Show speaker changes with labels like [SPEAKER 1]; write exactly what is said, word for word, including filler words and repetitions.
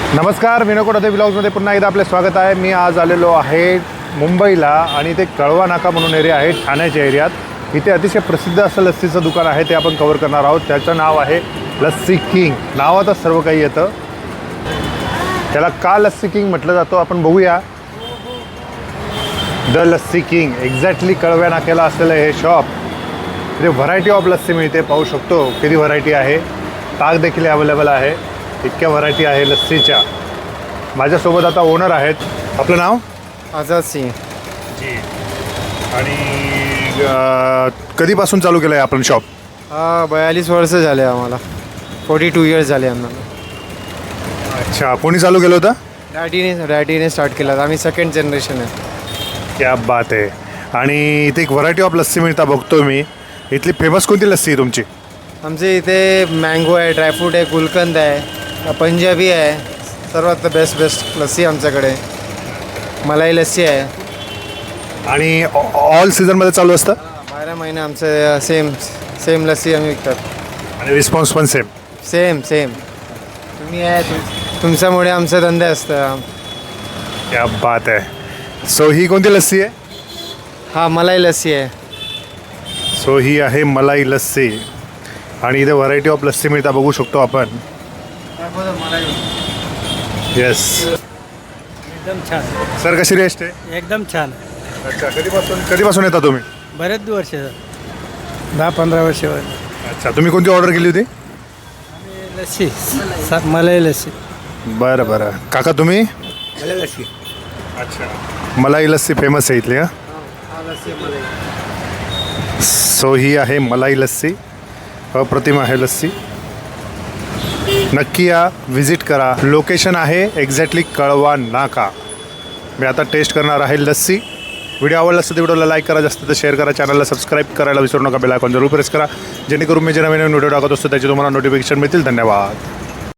[SPEAKER 1] नमस्कार, विनोकोडे ब्लॉग्समध्ये पुन्हा एकदा आपले स्वागत आहे. मी आज आलेलो आहे मुंबईला आणि ते कळवा नाका म्हणून एरिया आहे ठाण्याच्या एरियात. इथे अतिशय प्रसिद्ध असं लस्सीचं दुकान आहे, ते आपण कव्हर करणार आहोत. त्याचं नाव आहे लस्सी किंग. नावातच सर्व काही येतं. त्याला का लस्सी किंग म्हटलं जातो आपण बघूया. द लस्सी किंग एक्झॅक्टली कळव्या नाक्याला असलेलं हे शॉप. इथे व्हरायटी ऑफ लस्सी मिळते, पाहू शकतो किती व्हरायटी आहे. ताक देखील अवेलेबल आहे. इतक्या व्हरायटी आहे लस्सीच्या. माझ्यासोबत आता ओनर आहेत. आपलं नाव?
[SPEAKER 2] आझाद सिंग
[SPEAKER 1] जी. आणि कधीपासून चालू केलं आहे आपण शॉप?
[SPEAKER 2] हा बयालीस वर्ष झाले आम्हाला. फोर्टी टू इयर्स झाले आम्हाला.
[SPEAKER 1] अच्छा, कोणी चालू केलं होतं?
[SPEAKER 2] डॅडीने डॅडीने स्टार्ट केला. आम्ही सेकंड जनरेशन आहे.
[SPEAKER 1] क्या बात आहे. आणि इथे एक व्हरायटी ऑफ लस्सी मिळता बघतो मी. इथली फेमस कोणती लस्सी आहे तुमची?
[SPEAKER 2] आमचे इथे मँगो आहे, ड्रायफ्रूट आहे, गुलकंद आहे, पंजाबी आहे. सर्वात बेस्ट बेस्ट लस्सी आमच्याकडे. मलाई लस्सी आहे.
[SPEAKER 1] आणि ऑल सीझनमध्ये चालू असतं?
[SPEAKER 2] बारा महिने आमचं सेम सेम लस्सी आम्ही विकतात.
[SPEAKER 1] आणि रिस्पॉन्स पण सेम?
[SPEAKER 2] Same same. तुम्ही आहे तुम तुमच्यामुळे आमचं धंदे असतं.
[SPEAKER 1] क्या बात आहे. सो ही कोणती लस्सी आहे?
[SPEAKER 2] हा मलाई लस्सी आहे.
[SPEAKER 1] सो ही आहे मलाई लस्सी. आणि इथे व्हरायटी ऑफ लस्सी मिळता बघू शकतो आपण. येस
[SPEAKER 3] एकदम छान.
[SPEAKER 1] सर, कशी रेस्ट आहे?
[SPEAKER 3] एकदम छान.
[SPEAKER 1] अच्छा, कधीपासून कधीपासून येता तुम्ही?
[SPEAKER 3] बरेच वर्ष, दहा पंधरा वर्ष.
[SPEAKER 1] अच्छा, तुम्ही कोणती ऑर्डर केली होती?
[SPEAKER 3] लस्सी, सा- मलाई लस्सी.
[SPEAKER 1] बरं बरं. काका तुम्ही?
[SPEAKER 3] मलाई लस्सी.
[SPEAKER 1] अच्छा, मलाई लस्सी फेमस आहे इथली. हां, सो ही आहे मलाई लस्सी. अप्रतिम आहे लस्सी. नक्की या, व्हिजिट करा. लोकेशन आहे एक्झॅक्टली कळवा नाका. मी आता टेस्ट करणार आहे लस्सी. व्हिडिओ आवडला असेल तर व्हिडिओला लाईक करा, जास्त तर शेअर करा, चॅनलला सबस्क्राईब करायला विसरू नका. बेल आयकॉन जरूर प्रेस करा, जेणेकरून मी जे नवीन नवीन व्हिडिओ टाकत असतो त्याचे तुम्हाला नोटिफिकेशन मिळतील. धन्यवाद.